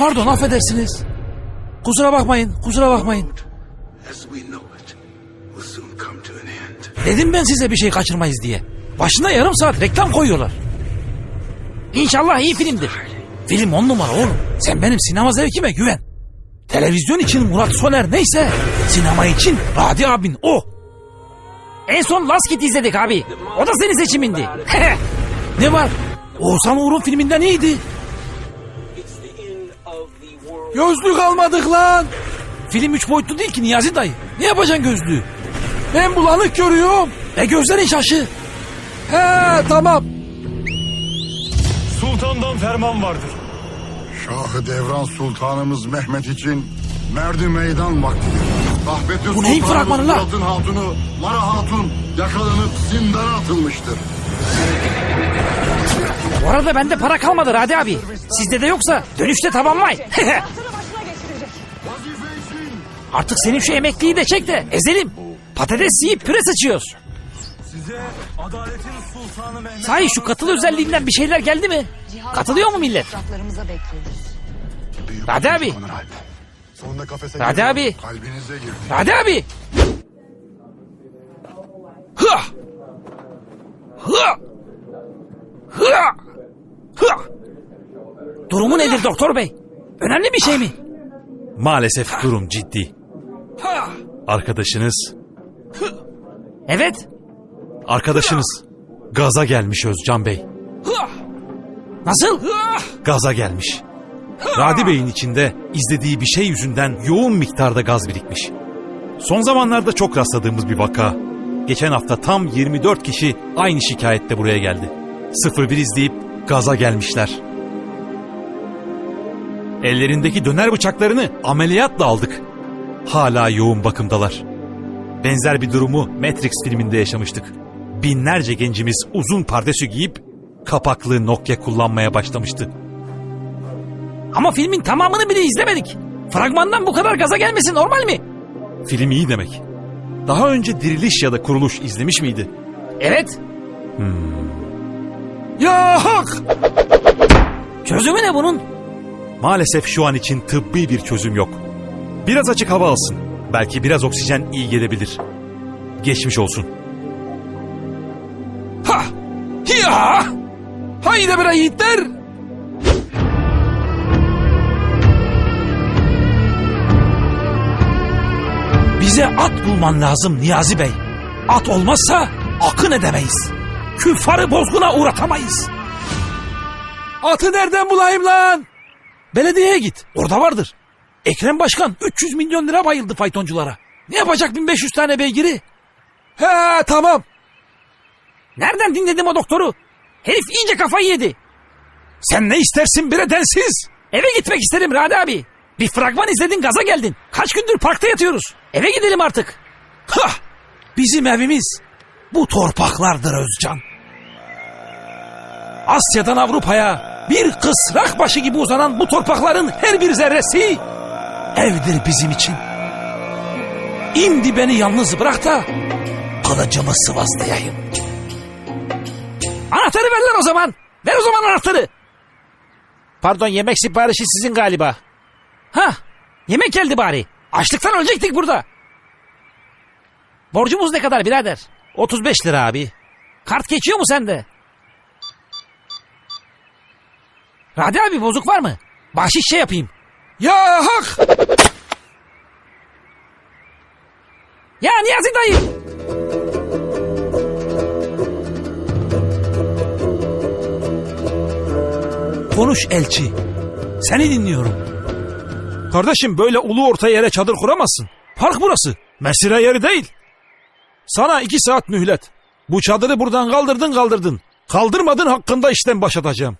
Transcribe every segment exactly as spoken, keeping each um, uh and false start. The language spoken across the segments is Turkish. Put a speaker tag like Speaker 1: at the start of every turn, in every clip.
Speaker 1: Pardon, affedersiniz. Kusura bakmayın, kusura bakmayın. Dedim ben size bir şey kaçırmayız diye. Başına yarım saat reklam koyuyorlar. İnşallah iyi filmdir. Film on numara oğlum. Sen benim sinema zevkime güven. Televizyon için Murat Soner neyse, sinema için Radi abin o. En son Last Kid izledik abi. O da senin seçimindi. Ne var? Oğuzhan Uğur'un filminden iyiydi. Gözlük almadık lan. Film üç boyutlu değil ki Niyazi dayı. Ne yapacaksın gözlüğü? Ben bulanık görüyorum. E gözlerin şaşı. He tamam.
Speaker 2: Sultandan ferman vardır.
Speaker 3: Şahı Devran Sultanımız Mehmet için merdi meydan vaktidir. Rahmetli
Speaker 1: Bu neyin fragmanı lan?
Speaker 3: Murat'ın hatunu Mara Hatun yakalanıp zindana atılmıştır.
Speaker 1: Bu arada bende para kalmadı Radi abi. Sizde de yoksa dönüşte tamamlay. Artık senin şu emekliyi de çek de ezelim. Patates yiyip püre sıçıyoruz.
Speaker 2: Size adaletin sultanı Mehmet...
Speaker 1: Sahi şu katıl özelliğinden bir şeyler geldi mi? Katılıyor mu millet? Radi abi.
Speaker 3: Sonunda kafese
Speaker 1: Radi
Speaker 3: girdi,
Speaker 1: abi.
Speaker 3: kalbinize girdi.
Speaker 1: Radi abi. Hıa. Hıa. Hıa. Hıa. Durumu nedir doktor bey? Önemli bir şey mi?
Speaker 4: Maalesef durum ciddi. Arkadaşınız,
Speaker 1: Evet.
Speaker 4: arkadaşınız gaza gelmiş Özcan Bey.
Speaker 1: Nasıl?
Speaker 4: Gaza gelmiş. Radi Bey'in içinde izlediği bir şey yüzünden yoğun miktarda gaz birikmiş. Son zamanlarda çok rastladığımız bir vaka. Geçen hafta tam yirmi dört kişi aynı şikayette buraya geldi. sıfır bir izleyip gaza gelmişler. Ellerindeki döner bıçaklarını ameliyatla aldık. Hala yoğun bakımdalar. Benzer bir durumu Matrix filminde yaşamıştık. Binlerce gencimiz uzun pardesü giyip kapaklı Nokia kullanmaya başlamıştı.
Speaker 1: Ama filmin tamamını bile izlemedik. Fragmandan bu kadar gaza gelmesi normal mi?
Speaker 4: Film iyi demek. Daha önce Diriliş ya da Kuruluş izlemiş miydi?
Speaker 1: Evet.
Speaker 4: Hmm.
Speaker 1: Ya hak! Çözümü ne bunun?
Speaker 4: Maalesef şu an için tıbbi bir çözüm yok. Biraz açık hava alsın. Belki biraz oksijen iyi gelebilir. Geçmiş olsun.
Speaker 1: Ha! Ya! Haydi bre yiğitler! Bize at bulman lazım Niyazi Bey. At olmazsa akın edemeyiz. Küffarı bozguna uğratamayız. Atı nereden bulayım lan? Belediyeye git. Orada vardır. Ekrem Başkan üç yüz milyon lira bayıldı faytonculara. Ne yapacak bin beş yüz tane beygiri? He tamam. Nereden dinledim o doktoru? Herif iyice kafayı yedi. Sen ne istersin bre densiz? Eve gitmek isterim Radi abi. Bir fragman izledin gaza geldin. Kaç gündür parkta yatıyoruz. Eve gidelim artık. Hah! Bizim evimiz bu torpaklardır Özcan. Asya'dan Avrupa'ya bir kısrak başı gibi uzanan bu torpakların her bir zerresi evdir bizim için. İndi beni yalnız bırak da kılıcımı sıvazlayayım. Anahtarı ver lan o zaman. Ver o zaman anahtarı. Pardon, yemek siparişi sizin galiba. Hah, yemek geldi bari. Açlıktan ölecektik burada. Borcumuz ne kadar birader? otuz beş lira abi. Kart geçiyor mu sende? Radi abi bozuk var mı? Bahşiş şey yapayım. Ya hak! Ya Niyazi dayı! Konuş elçi. Seni dinliyorum. Kardeşim böyle ulu orta yere çadır kuramazsın. Park burası. Mesire yeri değil. Sana iki saat mühlet. Bu çadırı buradan kaldırdın kaldırdın. Kaldırmadın hakkında işten başlatacağım.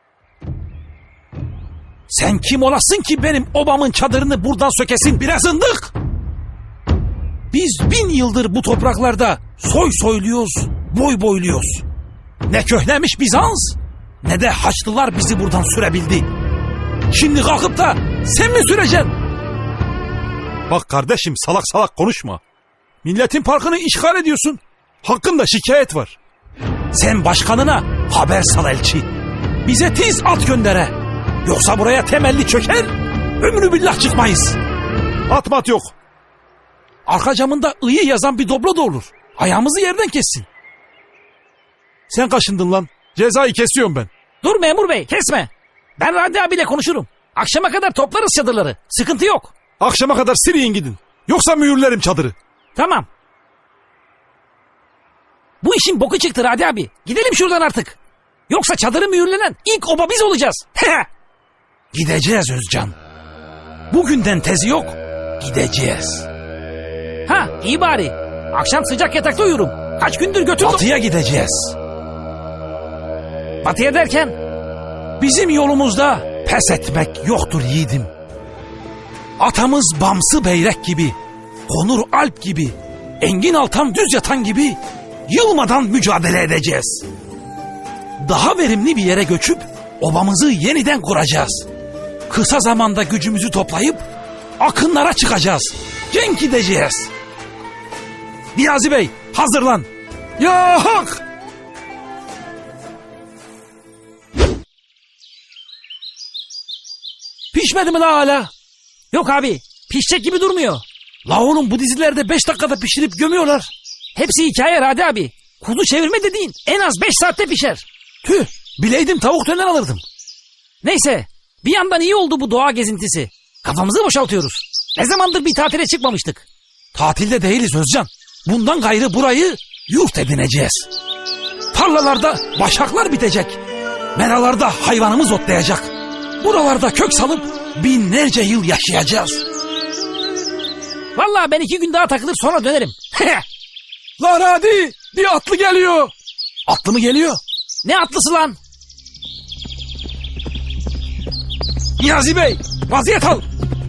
Speaker 1: Sen kim olasın ki benim obamın çadırını buradan sökesin biraz ındık? Biz bin yıldır bu topraklarda soy soyluyoruz, boy boyluyoruz. Ne köhnemiş Bizans, ne de Haçlılar bizi buradan sürebildi. Şimdi kalkıp da sen mi süreceksin? Bak kardeşim salak salak konuşma. Milletin parkını işgal ediyorsun. Hakkında şikayet var. Sen başkanına haber sal elçi. Bize tiz at göndere. Yoksa buraya temelli çöker, ömrü billah çıkmayız.
Speaker 4: At mat yok.
Speaker 1: Arka camında ıyı yazan bir doblo da olur. Ayağımızı yerden kessin.
Speaker 4: Sen kaşındın lan. Cezayı kesiyorum ben.
Speaker 1: Dur memur bey, kesme. Ben Radi abiyle konuşurum. Akşama kadar toplarız çadırları. Sıkıntı yok.
Speaker 4: Akşama kadar siriyin gidin. Yoksa mühürlerim çadırı.
Speaker 1: Tamam. Bu işin boku çıktı Radi abi. Gidelim şuradan artık. Yoksa çadırı mühürlenen ilk oba biz olacağız. Gideceğiz Özcan. Bugünden tezi yok. Gideceğiz. Ha iyi bari. Akşam sıcak yatakta uyurum. Kaç gündür götürdüm. Batıya gideceğiz. Batıya derken? Bizim yolumuzda pes etmek yoktur yiğidim. Atamız Bamsı Beyrek gibi, Konur Alp gibi, Engin Altan düz yatan gibi yılmadan mücadele edeceğiz. Daha verimli bir yere göçüp obamızı yeniden kuracağız. Kısa zamanda gücümüzü toplayıp akınlara çıkacağız. Cenk edeceğiz. Niyazi Bey hazırlan. Ya hak! Pişmedi mi la hala? Yok abi, pişecek gibi durmuyor. La oğlum bu dizilerde beş dakikada pişirip gömüyorlar. Hepsi hikaye Radi abi. Kuzu çevirme dediğin en az beş saatte pişer. Tüh, bileydim tavuk döner alırdım. Neyse, bir yandan iyi oldu bu doğa gezintisi. Kafamızı boşaltıyoruz. Ne zamandır bir tatile çıkmamıştık. Tatilde değiliz Özcan. Bundan gayrı burayı yurt edineceğiz. Tarlalarda başaklar bitecek. Meralarda hayvanımız otlayacak. Buralarda kök salıp binlerce yıl yaşayacağız. Vallahi ben iki gün daha takılır sonra dönerim. Lan hadi bir atlı geliyor. Atlı mı geliyor? Ne atlısı lan? Niyazi Bey vaziyet al.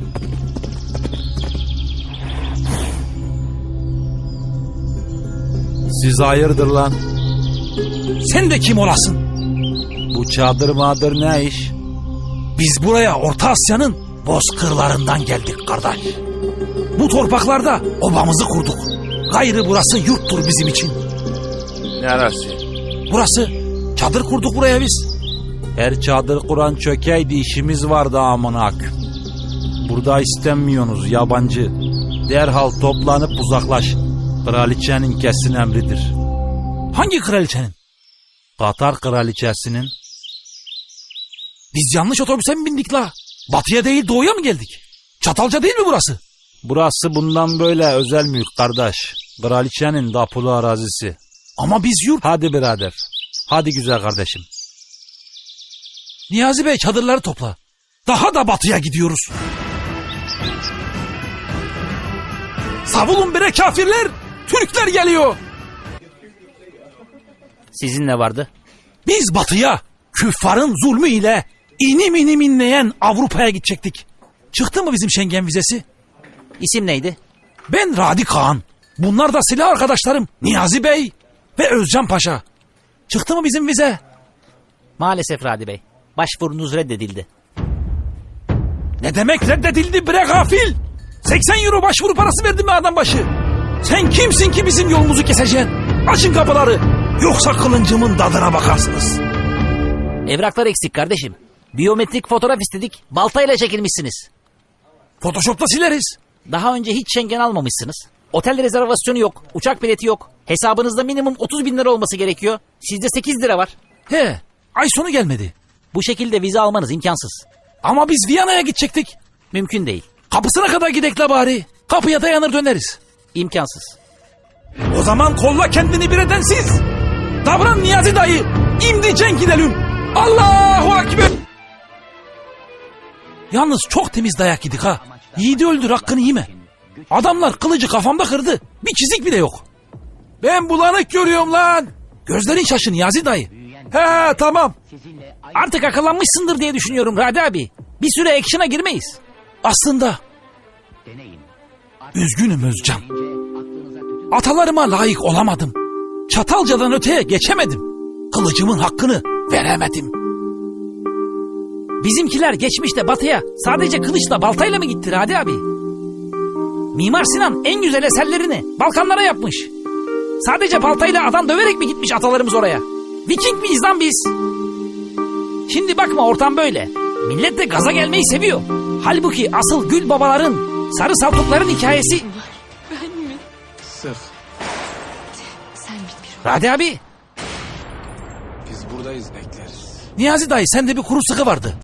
Speaker 5: Siz hayırdır lan?
Speaker 1: Sen de kim olasın?
Speaker 5: Bu çadır mağdır ne iş?
Speaker 1: Biz buraya Orta Asya'nın bozkırlarından geldik kardeş. Bu torpaklarda obamızı kurduk. Gayrı burası yurttur bizim için.
Speaker 5: Neresi?
Speaker 1: Burası. Çadır kurduk buraya biz.
Speaker 5: Her çadır kuran çökeydi işimiz vardı amına. Burada istenmiyorsunuz yabancı. Derhal toplanıp uzaklaşın. Kraliçenin kesin emridir.
Speaker 1: Hangi kraliçenin?
Speaker 5: Katar kraliçesinin.
Speaker 1: Biz yanlış otobüse mi bindik la? Batıya değil doğuya mı geldik? Çatalca değil mi burası?
Speaker 5: Burası bundan böyle özel mülk kardeş. Kraliçenin tapulu arazisi.
Speaker 1: Ama biz yurt...
Speaker 5: Hadi birader. Hadi güzel kardeşim.
Speaker 1: Niyazi Bey çadırları topla. Daha da batıya gidiyoruz. Savulun bire kafirler. Türkler geliyor.
Speaker 6: Sizin ne vardı?
Speaker 1: Biz batıya küffarın zulmü ile inim inim inleyen Avrupa'ya gidecektik. Çıktı mı bizim Schengen vizesi?
Speaker 6: İsim neydi?
Speaker 1: Ben Radi Kağan. Bunlar da silah arkadaşlarım Niyazi Bey ve Özcan Paşa. Çıktı mı bizim vize?
Speaker 6: Maalesef Radi Bey. Başvurunuz reddedildi.
Speaker 1: Ne demek reddedildi bre gafil? seksen euro başvuru parası verdim mi adam başı? Sen kimsin ki bizim yolumuzu keseceksin? Açın kapıları. Yoksa kılıncımın tadına bakarsınız.
Speaker 6: Evraklar eksik kardeşim. Biyometrik fotoğraf istedik. Baltayla çekilmişsiniz.
Speaker 1: Photoshop'ta sileriz.
Speaker 6: Daha önce hiç Schengen almamışsınız. Otel rezervasyonu yok. Uçak bileti yok. Hesabınızda minimum otuz bin lira olması gerekiyor. Sizde sekiz lira var.
Speaker 1: He, ay sonu gelmedi.
Speaker 6: Bu şekilde vize almanız imkansız.
Speaker 1: Ama biz Viyana'ya gidecektik.
Speaker 6: Mümkün değil.
Speaker 1: Kapısına kadar gidek la bari. Kapıya dayanır döneriz.
Speaker 6: İmkansız.
Speaker 1: O zaman kolla kendini bir edensiz. Davran Niyazi dayı. İmdi cenk gidelim. Allahu Ekber. Yalnız çok temiz dayak yedik ha. Yiğidi öldür hakkını yeme. Adamlar kılıcı kafamda kırdı. Bir çizik bile yok. Ben bulanık görüyorum lan. Gözlerin şaşı Niyazi dayı. He tamam. Artık akıllanmışsındır diye düşünüyorum Radi abi. Bir süre action'a girmeyiz. Aslında üzgünüm Özcan. Atalarıma layık olamadım. Çatalca'dan öteye geçemedim. Kılıcımın hakkını veremedim. Bizimkiler geçmişte batıya sadece kılıçla baltayla mı gitti Radi abi? Mimar Sinan en güzel eserlerini Balkanlara yapmış. Sadece baltayla adam döverek mi gitmiş atalarımız oraya? Viking miyiz lan biz? Şimdi bakma ortam böyle.
Speaker 6: Millet de gaza gelmeyi seviyor. Halbuki asıl gül babaların, sarı saltukların hikayesi...
Speaker 7: Ben mi?
Speaker 3: Sık.
Speaker 7: Sen bilmiyorum.
Speaker 6: Radi abi,
Speaker 3: Biz buradayız bekleriz.
Speaker 1: Niyazi dayı sende bir kuru sıkı vardı.